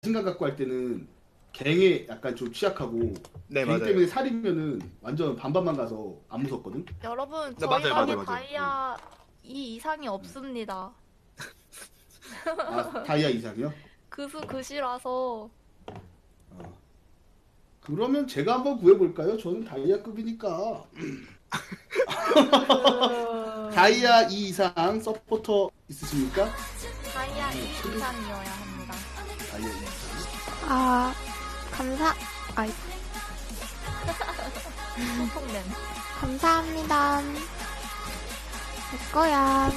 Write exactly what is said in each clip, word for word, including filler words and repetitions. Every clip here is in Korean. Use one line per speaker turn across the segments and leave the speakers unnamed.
자신감 갖고 할 때는 갱에 약간 좀 취약하고
네,
갱
맞아요.
때문에 살이면은 완전 반반만 가서 안 무섭거든.
여러분
네,
저희
맞아요,
방에
맞아요, 맞아요.
다이아 이 이상이 없습니다.
아 다이아 이상이요?
그수 그시라서
어. 그러면 제가 한번 구해볼까요? 저는 다이아급이니까.
그...
다이아 이 이상 서포터 있으십니까?
다이아 이 이상이어야 합니다.
다이아 이 이상.
아, 감사, 아이,
소통냄.
감사합니다. 내 거야.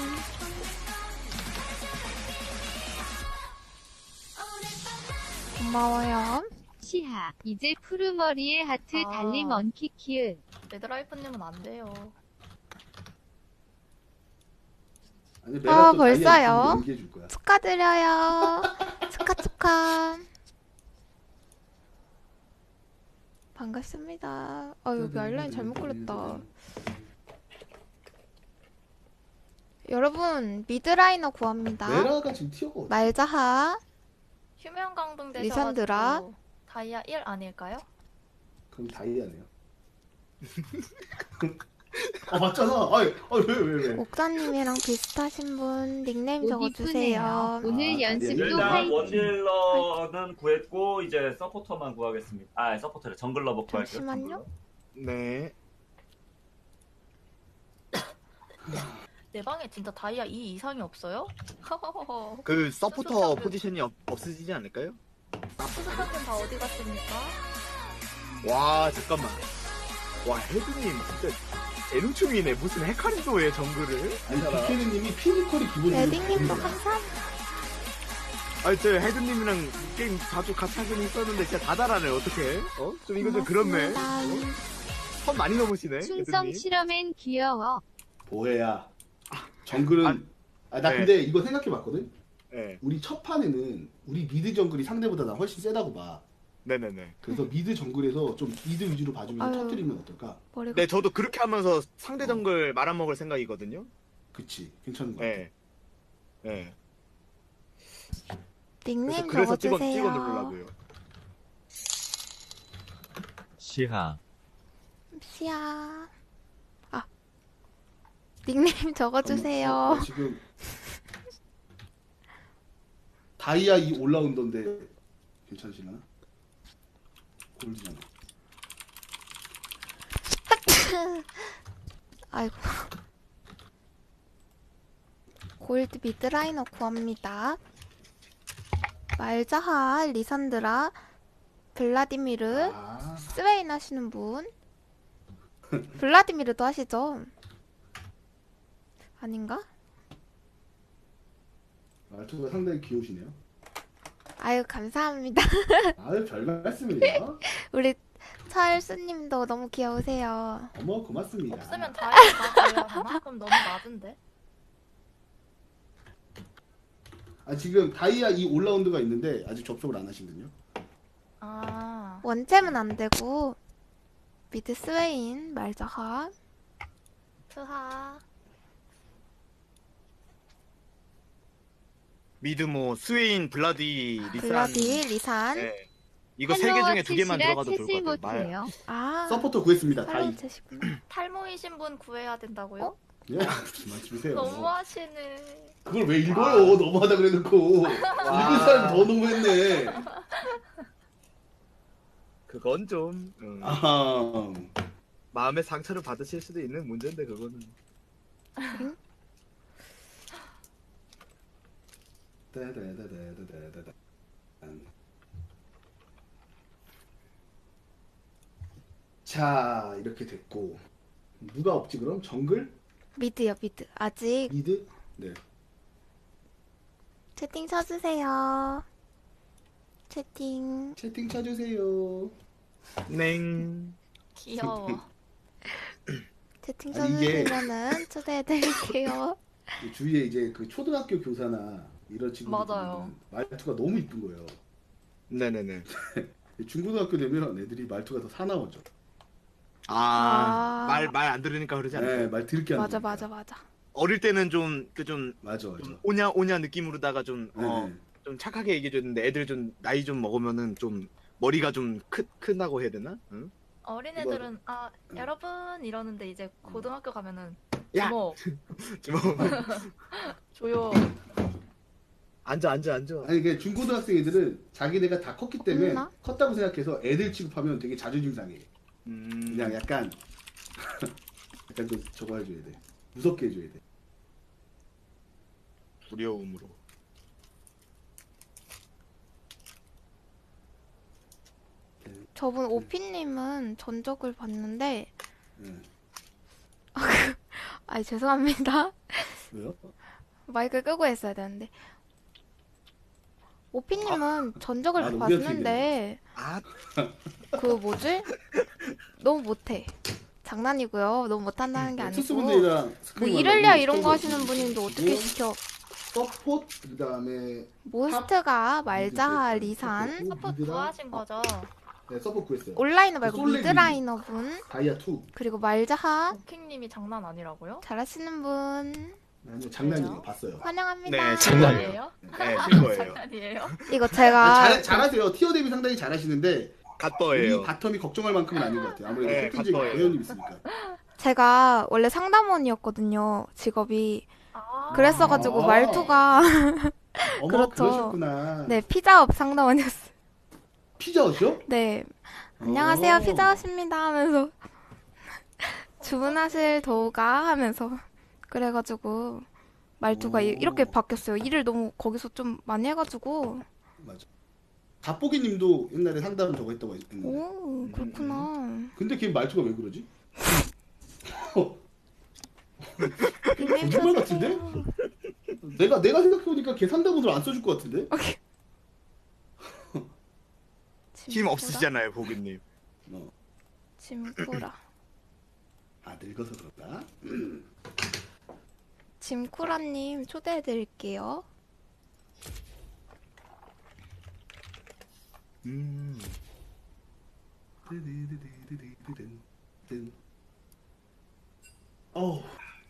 고마워요.
시하 이제 푸르머리에 하트
아.
달림 언키 키읔.
레드라이프님은 안 돼요.
아니,
아,
내가 또
벌써요?
다이아 연기해 줄 거야.
축하드려요. 축하, 축하. 반갑습니다. 아, 여기 아이라인 잘못 그렸다. 여러분, 미드라이너 구합니다.
메라가 지금 티어가 어디?
말자하.
휴면 강등
리산드라.
되셔가지고 다이아 일 아닐까요?
그럼 다이아네요. 아 맞잖아. 아이, 아왜왜 왜?
옥사님이랑 비슷하신 분 닉네임
옷
적어주세요.
이쁘네요. 오늘
아,
연습도
일단
화이팅.
원딜러는 구했고 이제 서포터만 구하겠습니다. 아 서포터래 정글러버 구할게요.
잠시만요.
정글러.
네.
내 방에 진짜 다이아 이 이상이 없어요? 허허허허.
그 서포터
수수깡은-
포지션이 없, 없어지지 않을까요?
수수깡은 다 어디 갔습니까?
와, 잠깐만. 와, 헤드님 진짜 대능충이네. 무슨 헤카림도에 정글을?
아니 비케르님이 피니컬이 기본적으로
레딩님도
좋은 거야.
감사합니다.
아니, 저 헤드님이랑 게임 자주 같이 하긴 있었는데 진짜 다 잘하네. 어떡해? 어? 좀 이거 좀 그렇네.
고맙습니다.
어? 선 많이 넘으시네.
충성
헤드님.
실험엔 귀여워.
보혜야. 정글은
아,
아 나
네.
근데 이거 생각해봤거든.
네.
우리 첫 판에는 우리 미드 정글이 상대보다 나 훨씬 세다고 봐.
네네네.
그래서 미드 정글에서 좀 미드 위주로 봐주면서
아유.
터뜨리면 어떨까?
머리가
네, 저도 그렇게 하면서 상대 정글 말아먹을 생각이거든요.
그치 괜찮은 거 같아.
네. 네. 그래서,
닉네임
그래서 찍어, 찍어
적어주세요.
누르려고요.
시하
시야. 아, 닉네임 적어주세요.
어, 어, 지금 다이아 이 올라운더인데 괜찮으시나? 골드잖아.
아이고. 골드 미드라이너 구합니다. 말자하, 리산드라, 블라디미르,
아,
스웨인 하시는 분. 블라디미르도 하시죠? 아닌가?
말투가 상당히 귀여우시네요.
아유, 감사합니다.
아유 별 말씀이에요.
우리 철수님도 너무 귀여우세요.
어머 고맙습니다.
없으면 다이아 다 구해야 하나? 그럼 너무 낮은데?
아 지금 다이아 이 올라운드가 있는데 아직 접속을 안 하시거든요.
아
원챔은 안 되고 미드 스웨인, 말자하.
트하.
미드모, 스웨인, 블라디, 리산.
블라디, 리산.
네. 이거 세 개 중에 두 개만
채시라
들어가도 좋을
채실
것 같아요. 말.
못해요.
아,
서포터 구했습니다. 다이.
팔로우 채시구나.
탈모이신 분 구해야 된다고요?
예? 무슨 말씀이세요?
너무하시네.
그걸 왜 읽어요? 너무하다 그래놓고 읽은 사람이 더 너무했네.
그건 좀 음,
아하.
마음의 상처를 받으실 수도 있는 문제인데 그거는.
따다다다다다다. 자 이렇게 됐고 누가 없지 그럼? 정글?
미드요, 미드. 아직
미드? 네.
채팅 쳐주세요. 채팅.
채팅 쳐주세요.
냉.
귀여워.
채팅
아니, 이게-
쳐주시면은 초대해드릴게요.
주위에 이제 그 초등학교 교사나 이런 친구들
맞아요.
말투가 너무 이쁜 거예요.
네네네.
중고등학교 되면 애들이 말투가 더 사나워져.
아.
아말 말 안 들으니까 그러지 않아요?
네, 말 들게 하는
맞아,
거니까.
맞아, 맞아.
어릴 때는 좀 그 좀
맞아, 맞아.
오냐 오냐 느낌으로다가 좀
네,
어,
네.
좀 착하게 얘기해줬는데 애들 좀 나이 좀 먹으면은 좀 머리가 좀 크, 크다고 해야 되나? 응?
어린애들은 아 여러분 이러는데 이제 고등학교 가면은
야!
뭐
뭐
조용.
앉아 앉아 앉아.
아니 그 중고등학생 애들은 자기네가 다 컸기 때문에
없나?
컸다고 생각해서 애들 취급하면 되게 자존심 상해.
음...
그냥 약간 약간 좀 저거 해줘야 돼. 무섭게 해줘야 돼.
두려움으로.
저분 오피님은 전적을 봤는데
응.
아 죄송합니다.
왜요?
마이크 끄고 했어야 되는데 오피님은 전적을
아, 우리한테
봤는데
아,
그 뭐지? 너무 못해. 장난이고요. 너무 못한다는 게 아니고
투스분들이랑
뭐
스크린
이럴랴
만나고
이런 거
스토브
하시는 분인데 어떻게
그리고
시켜?
서포트 그다음에
모스트가 말자
미드
리산
서포트,
서포트
미드랑-
구하신 거죠?
네 서포트 구했어요.
온라이너 말고
솔레
미드라이너 분
다이아 투.
그리고 말자하
오킹님이 장난 아니라고요?
잘하시는 분
아니요 장난이에요.
그래요?
봤어요.
환영합니다.
네,
장난이에요?
네, 실거예요.
장난이에요?
이거
아,
제가
잘, 잘하세요. 티어 대비 상당히 잘하시는데 우리
갓버예요.
바텀이 걱정할 만큼은 아닌 것 같아요. 아무래도
네,
캡틴 제이
갓버예요.
배우님 있으니까.
제가 원래 상담원이었거든요. 직업이.
아,
그랬어가지고
아.
말투가
어머
그렇죠.
그러셨구나.
네 피자업 상담원이었어요.
피자헛이요?
네 안녕하세요
어.
피자헛입니다 하면서 주문하실 도우가 하면서 그래가지고 말투가 이-
오.
이렇게 바뀌었어요. 일을 너무 거기서 좀 많이 해가지고
맞아. 갓보기님도 옛날에 상담 저거 했다고 했는데.
오 그렇구나.
근데 걔 말투가 왜 그러지? 어,
닉네임
거짓말
써주세요.
같은데? 내가 내가 생각해보니까 걔 상담원으로 안 써줄 것 같은데?
힘 없으시잖아요, 보기님.
어.
짐쿠라.
아 늙어서 그런가?
짐쿠라님 초대해드릴게요.
음.
어우.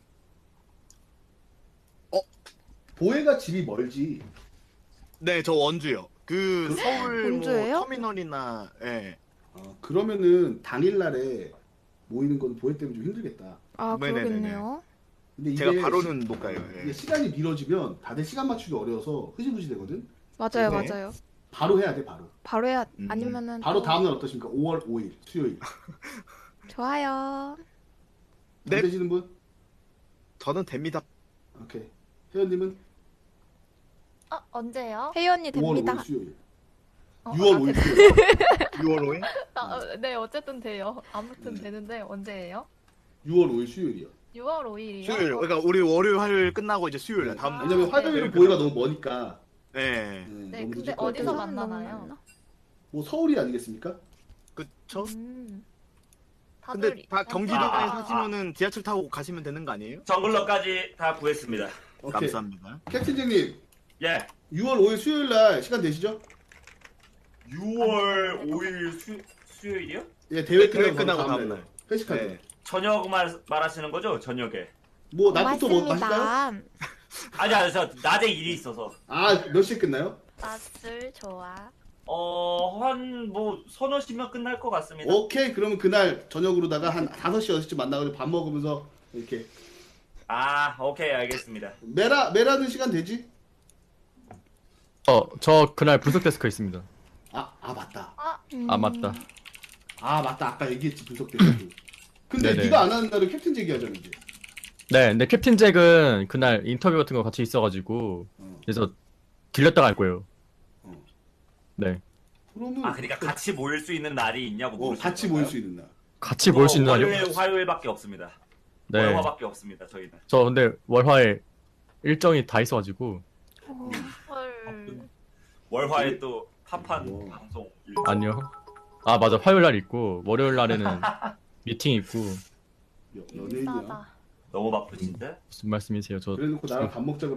어? 보혜가 집이 멀지.
네, 저 원주요. 그 서울 뭐
원주예요?
터미널이나 예.
어, 그러면은 당일날에 모이는 건 보혜 때문에 좀 힘들겠다.
아
네네네네.
그러겠네요.
근데 이게
제가 바로는 못 가요.
이게
예.
시간이 미뤄지면 다들 시간 맞추기 어려워서 흐지부지 되거든.
맞아요
네.
맞아요.
바로 해야 돼 바로.
바로 해야
음.
아니면은
바로
또-
다음날 어떠십니까? 오월 오일 수요일.
좋아요.
네.
안 되시는 분?
저는 됩니다.
오케이. 회원님은
아 언제요?
혜연이
오월
됩니다.
오일 수요일.
어,
유월
아,
오일
되-
수요일.
유월 오일?
아, 어, 네 어쨌든 돼요. 아무튼
네.
되는데 언제예요?
유월 오일 수요일이요.
유월 오일이요?
수요일. 그러니까 우리 월요일 화요일 끝나고 이제 수요일 날 다음
아,
날.
왜냐면
네.
화요일은 보혜가 너무 머니까.
네.
네,
네,
너무
근데
늦을 것
어디서
같아서.
만- 만나나요?
뭐 서울이 아니겠습니까?
그쵸?
음. 다들
근데 다
이-
경기도에
아, 아,
사시면은 지하철 타고 가시면 되는 거 아니에요?
정글러까지 다 구했습니다.
오케이.
감사합니다.
캡틴장님
예.
유월 오일 수요일 날 시간 되시죠?
유월 오일 수, 수요일이요?
예, 대회
대회
끝나고,
끝나고
다음
다음
날
날.
회식하죠.
네.
저녁 말, 말하시는 거죠? 저녁에.
뭐 낮부터 뭐 마실까요?
고맙습니다.
아니, 아니, 저 낮에 일이 있어서.
아, 몇 시에 끝나요?
낮술 좋아.
어, 한, 뭐, 서너 시면 끝날 것 같습니다.
오케이. 그러면 그날 저녁으로다가 한 다섯 시, 여섯 시쯤 만나가지고 밥 먹으면서 이렇게
아, 오케이, 알겠습니다.
메라 메라는 시간 되지?
어, 저 그날 분석 데스크 있습니다.
아, 아 맞다.
음,
아, 맞다.
아, 맞다. 아까 얘기했지 분석 대표. 근데
네네.
네가 안 하는 날은 캡틴 제기하잖아 이제.
네, 근데 캡틴 잭은 그날 인터뷰 같은 거 같이 있어가지고,
어.
그래서 들렸다 갈 거예요.
어.
네.
그러면
아, 그러니까 같이 모일 수 있는 날이 있냐고
어,
물으시는
같이
건가요?
모일 수 있는 날.
같이 모일 수 있는 날이요?
월요일, 화요일밖에 없습니다.
네.
월화밖에 없습니다, 저희는.
저 근데 월화에 일정이 다 있어가지고,
어,
헐.
월화에 또 팝한
우와.
방송.
아니요. 아, 맞아. 화요일 날 있고, 월요일 날에는 미팅 있고,
여, 연예인이야.
싸다.
너무 바쁘신데?
무슨 말씀이세요? 저
그래놓고 나랑 밥 먹자고.